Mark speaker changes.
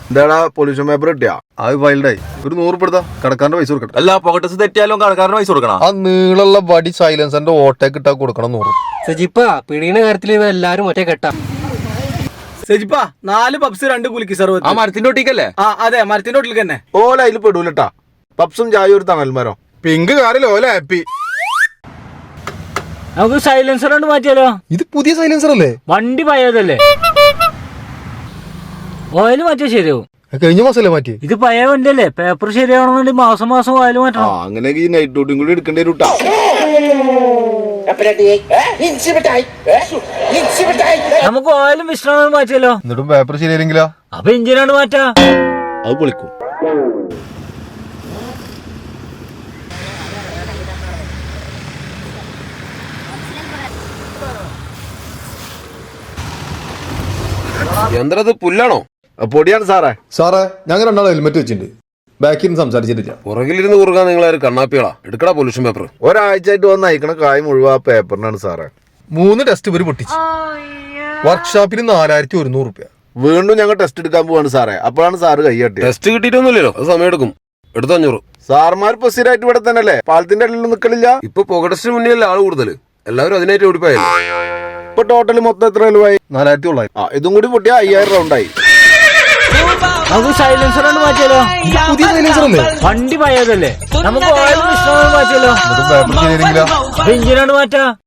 Speaker 1: എന്താടാ pollution paper കിട്ടിയാ? അത് വൈൽഡായി. ഒരു 100 എടുത്താ കടക്കാരന്റെ പൈസ കൊടുക്കണം.
Speaker 2: അല്ല പോക്കറ്റസ് തെറ്റിയാലും കടക്കാരന്റെ പൈസ കൊടുക്കണം.
Speaker 1: ആ നീളമുള്ള ബഡി സൈലൻസറിന്റെ ഓട്ടേക്ക് ഇട്ടാ കൊടുക്കണം 100.
Speaker 3: സജിപ്പ പിടിയുടെ കാര്യത്തിൽ എല്ലാരും ഒറ്റ കെട്ടാ.
Speaker 4: സജിപ്പാ 4 പപ്സ് 2 കുലുക്കി സർവത്ത്.
Speaker 2: ആ മരത്തിന്റെ ഒട്ടിക്കല്ലേ?
Speaker 4: ആ അതെ, മരത്തിന്റെ ഒട്ടിൽ തന്നെ.
Speaker 1: ഓല അതിൽ പെടൂലട്ടാ. പപ്സും ചായ ഒരു തണൽമരോ. പിങ്ക് കാറിൽ ഓല ഹാപ്പി.
Speaker 3: നമുക്ക് സൈലൻസർ കൊണ്ട് മാറ്റിയാലോ?
Speaker 1: ഇത് പുതിയ സൈലൻസർ അല്ലേ?
Speaker 3: വണ്ടി പഴയതല്ലേ? ഓയിൽ മാറ്റിയാ ശരിയാവും.
Speaker 1: കഴിഞ്ഞ മാസല്ലേ മാറ്റി?
Speaker 3: ഇത് പഴയ വണ്ടിയല്ലേ? പേപ്പർ ശരിയാവണമെന്നുണ്ടെങ്കിൽ മാസം മാസം ഓയിൽ മാറ്റണം.
Speaker 1: അങ്ങനെയൊക്കെ ഈ നൈറ്റ് ഡ്യൂട്ടിയും കൂടി എടുക്കേണ്ടി വരൂട്ടാ.
Speaker 3: നമുക്ക് ഓയിലും വിശ്രമം മാറ്റിയാലോ?
Speaker 1: എന്നിട്ടും പേപ്പർ ശരിയായില്ലെങ്കിലോ?
Speaker 3: അപ്പൊ എഞ്ചിനാണ് മാറ്റാ.
Speaker 1: അത് പൊളിക്കും.
Speaker 2: യന്ത്രത് പുല്ലാണോ?
Speaker 1: പൊടിയാണ് സാറേ.
Speaker 5: സാറേ ഞങ്ങൾ രണ്ടാളും ഹെൽമെറ്റ് വെച്ചിട്ടുണ്ട്. ബാക്കിൽ നിന്ന് സംസാരിച്ചിട്ടില്ല.
Speaker 2: പുറകിലിരുന്ന് കുറുകാൻ നിങ്ങളൊരു കണ്ണാപ്പികളാ. എടുക്കടാ പൊല്യൂഷൻ പേപ്പർ.
Speaker 1: ഒരാഴ്ചയായിട്ട് വന്ന് അയക്കണ കായ് മുഴുവൻ ആ പേപ്പറിനാണ് സാറേ. 3 ടെസ്റ്റ് ഇവര് പൊട്ടിച്ച്. വർക്ക്ഷോപ്പിന് 4100 രൂപ. വീണ്ടും ഞങ്ങൾ ടെസ്റ്റ് എടുക്കാൻ പോവാണ് സാറേ. അപ്പോഴാണ് സാറ് കൈയ്യട്ടി.
Speaker 2: ടെസ്റ്റ് കിട്ടിയിട്ടൊന്നുമില്ലല്ലോ, അത് സമയം എടുക്കും. എടുത്ത് 500.
Speaker 1: സാർമാർ ഇപ്പൊ സ്ഥിരമായിട്ട് ഇവിടെ തന്നെ അല്ലേ? പാലത്തിന്റെ അടിയിൽ നിൽക്കണില്ല.
Speaker 2: ഇപ്പൊ പോക ടെസ്റ്റിന് മുന്നേ അല്ല ആള് കൂടുതൽ. എല്ലാവരും അതിനായിട്ട് ഓടിപ്പോയല്ലോ.
Speaker 1: ഇപ്പൊ ടോട്ടല് മൊത്തം എത്ര രൂപയായി? 4900. ഇതും കൂടി പൊട്ടിയ 5000 റൗണ്ടായി.
Speaker 3: നമുക്ക് സൈലൻസർ കൊണ്ട് മാറ്റിയാലോ?
Speaker 1: പുതിയ സൈലൻസർ അല്ലേ?
Speaker 3: വണ്ടി പഴയതല്ലേ? നമുക്ക് ഓയിലും വിശ്രമം മാറ്റിയാലോ?
Speaker 1: പേപ്പർ ശരിയായില്ലെങ്കിലോ?
Speaker 3: അപ്പൊ എഞ്ചിനാണ് മാറ്റാ.